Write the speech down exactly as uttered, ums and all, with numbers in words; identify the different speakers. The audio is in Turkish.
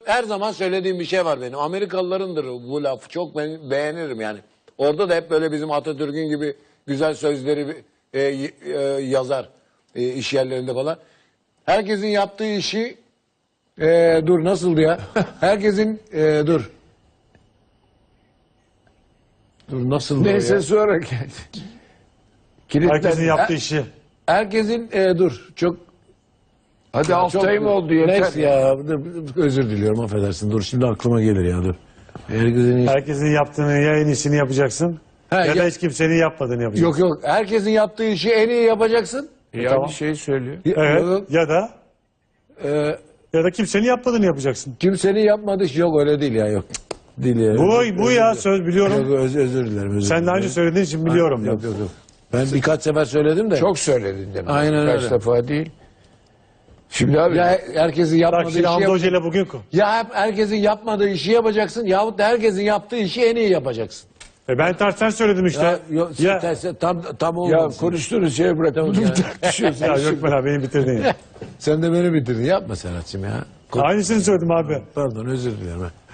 Speaker 1: her zaman söylediğim bir şey var benim. Amerikalılarındır bu laf. Çok ben beğenirim yani. Orada da hep böyle bizim Atatürk'ün gibi güzel sözleri e, e, yazar e, iş yerlerinde falan. Herkesin yaptığı işi e, dur nasıldı ya? Herkesin e, dur. Dur nasıldı
Speaker 2: Neyse
Speaker 1: ya?
Speaker 2: sonra geldi. Kilitler-
Speaker 3: Herkesin yaptığı işi.
Speaker 1: Herkesin e, dur çok
Speaker 2: Hadi
Speaker 1: Ya
Speaker 2: altı
Speaker 1: çok-
Speaker 2: ay mı oldu yeter.
Speaker 1: Neyse ya dur, özür diliyorum affedersin. Dur şimdi aklıma gelir ya dur. Herkesin iş-
Speaker 3: Herkesin yaptığını ya en iyisini yapacaksın
Speaker 1: Ha,
Speaker 3: ya, da
Speaker 1: ya-
Speaker 3: hiç kimsenin yapmadığını yapacaksın.
Speaker 1: Yok yok herkesin yaptığı işi en iyi yapacaksın.
Speaker 2: Ya
Speaker 3: Tamam.
Speaker 2: bir şey söylüyor.
Speaker 3: Evet.
Speaker 1: Yok,
Speaker 3: Ya da
Speaker 1: e,
Speaker 3: ya da kimsenin yapmadığını yapacaksın.
Speaker 1: kimsenin yapmadığı iş yok öyle değil ya yok. Değil ya.
Speaker 3: Bu
Speaker 1: Özür-
Speaker 3: bu
Speaker 1: özür
Speaker 3: ya
Speaker 1: dilerim.
Speaker 3: söz biliyorum.
Speaker 1: Yok, öz, özür dilerim. Özür
Speaker 3: Sen daha
Speaker 1: dilerim.
Speaker 3: önce söylediğin için biliyorum.
Speaker 1: Yok yok yok. Ben birkaç sefer söyledim de.
Speaker 2: Çok söyledin demek.
Speaker 1: Aynen
Speaker 2: Kaç
Speaker 1: öyle.
Speaker 2: defa değil. Şimdi abi
Speaker 1: Ya herkesin yapmadığı
Speaker 3: Bak
Speaker 1: işi
Speaker 3: şimdi Hamdi
Speaker 1: yap-
Speaker 3: Hoca ile bugün ko-
Speaker 1: ya hep herkesin yapmadığı işi yapacaksın yahut da herkesin yaptığı işi en iyi yapacaksın.
Speaker 3: E ben tersten söyledim işte.
Speaker 1: Ya,
Speaker 3: Ya,
Speaker 1: yok,
Speaker 3: ya,
Speaker 1: tersi- tam tam
Speaker 2: ya
Speaker 1: olmadı.
Speaker 2: konuştuğunuz şeye bırak. Bunu
Speaker 1: ya.
Speaker 2: tartışıyorsun.
Speaker 3: Gökmen abi beni bitirdin ya.
Speaker 1: Sen de beni bitirdin. Yapma Serhat'cığım ya.
Speaker 3: Aynısını söyledim abi.
Speaker 1: Pardon özür dilerim.